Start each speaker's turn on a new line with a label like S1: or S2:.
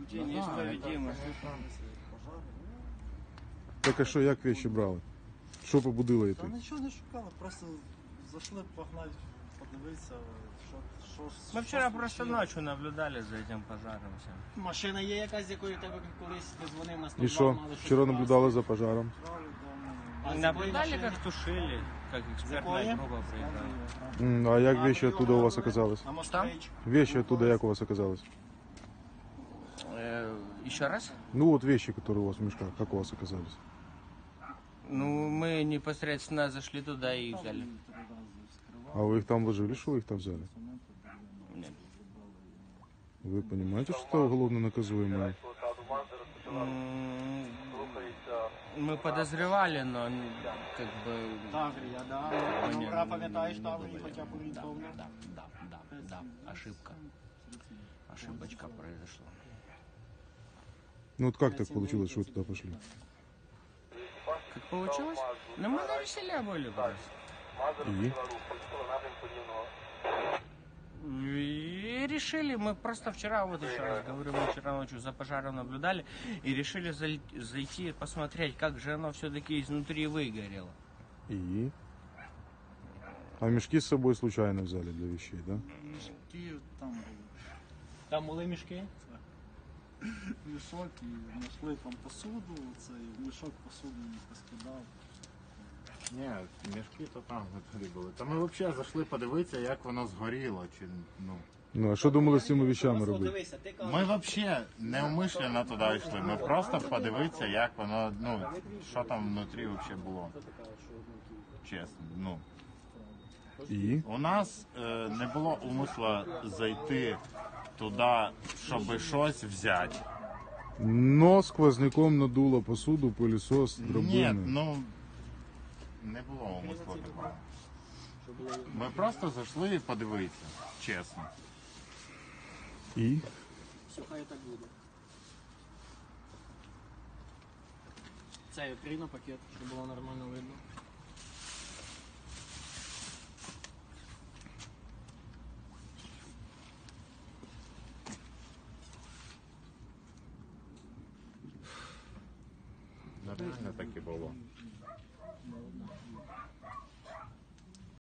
S1: Неисповедимо.
S2: Так а що, як вещи брали? Що побудило
S3: Та
S2: це?
S3: нічого не шукали, просто зайшли погнати, подивитися, що
S1: Мы вчера просто ночью наблюдали за этим пожаром всем.
S4: Машина є якась, з якою тебе колись ти дзвонив на 102,
S2: І що?
S4: мали щось
S2: Вчора
S4: вкрасти?
S2: наблюдали за пожаром.
S4: А з якої
S1: Наблюдали,
S4: машини?
S1: как тушили, как экспертная
S4: Какое?
S1: группа приезжала.
S2: А як вещи оттуда у вас оказались?
S4: На Москвич.
S2: Вещи оттуда як у вас оказались?
S1: Еще раз?
S2: Ну вот вещи, которые у вас в мешках, как у вас оказались?
S1: Ну, мы непосредственно зашли туда и их взяли.
S2: А вы их там вложили, что вы их там взяли?
S1: Нет.
S2: Вы понимаете, что это уголовно наказуемое?
S1: Мы подозревали, но как бы...
S4: Таврія, да. Номера пам'ятаєш Таврії, хоча б орієнтовно?
S1: Да. Ошибка. Ошибочка произошла.
S2: Ну вот как так получилось, что вы туда пошли?
S1: Как получилось? Ну, мы на веселе были просто. И решили, мы просто вчера, вот еще раз говорю, мы вчера ночью за пожаром наблюдали и решили зайти посмотреть, как же оно все-таки изнутри выгорело.
S2: И? А мешки с собой случайно взяли для вещей, да?
S3: Мішки там були.
S4: Там були мішки?
S3: Мішок і знайшли там посуду, цей мішок посуду не поскидав.
S5: Ні, мішки то там внутрі були. Та ми взагалі зайшли подивитися, як воно згоріло. Чи, ну.
S2: Ну а що думали з цими вещами
S4: Просто
S2: робити?
S4: дивися, ти кажеш,
S5: Ми взагалі неумишлено туди йшли. Ми просто подивитися, як воно, ну, що там внутрі взагалі було. Чесно, ну.
S2: І?
S5: У нас не було умисла зайти туди, щоб щось взяти.
S2: Но сквозняком надуло посуду, пылесос,
S5: Ні,
S2: драбини.
S5: ну не було умисла такого. Ми просто зайшли подивитися, чесно.
S2: І?
S4: все, хай так буде. Це відкрий на пакет, щоб було нормально видно.
S5: Нормально так і було.